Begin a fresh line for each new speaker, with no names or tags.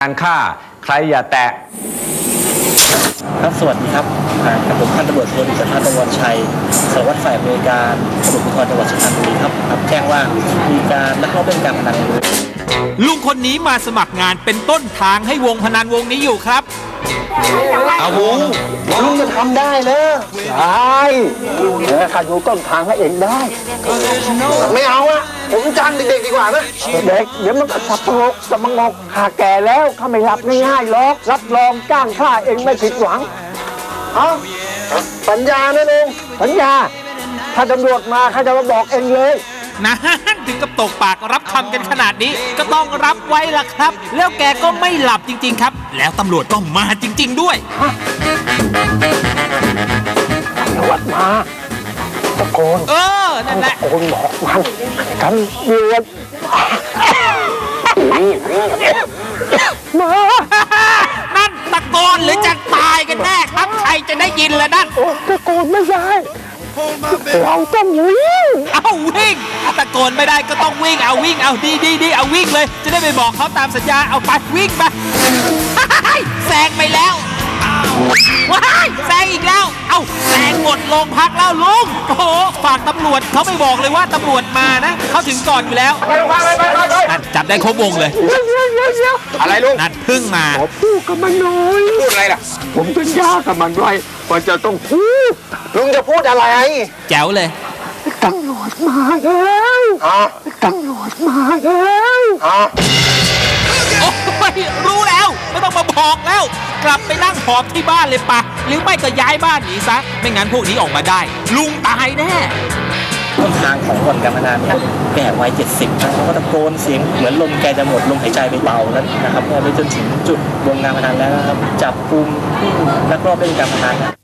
การฆ่าใครอย่าแตะ
ครับสวัสดีครับกับผมพันตำรวจโทดิษฐตะวันชัยสารวัตรฝ่ายบริการตำรวจภูธรจังหวัดสุพรรณบุรีครับแจ้งว่ามีการลักลอบเล่นการพนัน
ลุงคนนี้มาสมัครงานเป็นต้นทางให้วงพนันวงนี้อยู่ครับ
เอาลุงจะทำได้เลยได้เดี๋ยวข้าดูต้นทางให้เองได้ไม่เอาอะผมจ้างเด็กๆดีกว่านะเด็กเดี๋ยวมันสับปะรดสมงกข้าแก่แล้วข้าไม่รับง่ายๆหรอกรับรองจ้างข้าเองไม่ผิดหวังเอาสัญญานะลุงสัญญาถ้าตำรวจมาข้าจะมาบอกเองเลย
นะถึงกับตกปากรับคำกันขนาดนี้ก็ต้องรับไว้ล่ะครับแล้วแกก็ไม่หลับจริงๆครับแล้วตำรวจก็มาจริงๆด้วย
ตำรวจมาตะโกน
นั่นแหละ
ตะโกนบอกมันตำรวจมา
นั่นตะโกนหรือจะตายกันแน่ครับใครจะได้ยินล่ะนั่น
ตะโกนไม่ได้เราต้องวิ่ง
วิ่งตะโกนไม่ได้ก็ต้องวิ่งวิ่งดีเอาวิ่งเลยจะได้ไปบอกเขาตามสัญญาเอาไปวิ่งไปแซงไปแล้วว้ายแซงอีกแล้วแซงหมดโรงพักแล้วลุงโอ้โหฝากตำรวจเขาไม่บอกเลยว่าตำรวจมานะเขาถึงก่อนอยู่แล้วนั่นจับได้ครบวงเลย
อะไรลุง
นั่นพึ่งมา
พูดกับมันหน่อยพูดอะไรล่ะผมสัญญากับมันไว้ว่าจะต้องพูดลุงจะพูดอะไร
แจ๋วเลย
ตำรวจมาแล้วตำรวจมาแล้ว
โอ้ยรู้แล้วไม่ต้องมาบอกแล้วกลับไปนั่งหอบที่บ้านเลยปะหรือไม่ก็ย้ายบ้านหนีซะไม่งั้นพวกนี้ออกมาได้ลุงตายแน่
ต้นทางของบ่อนการพนันแก่วัย70นะเขาก็ตะโกนเสียงเหมือนลมแกจะหมดลมหายใจไปเบาแล้วนะครับไปจนถึงจุดวงการพนันแล้วนะครับจับกุมลักลอบเล่นการพนัน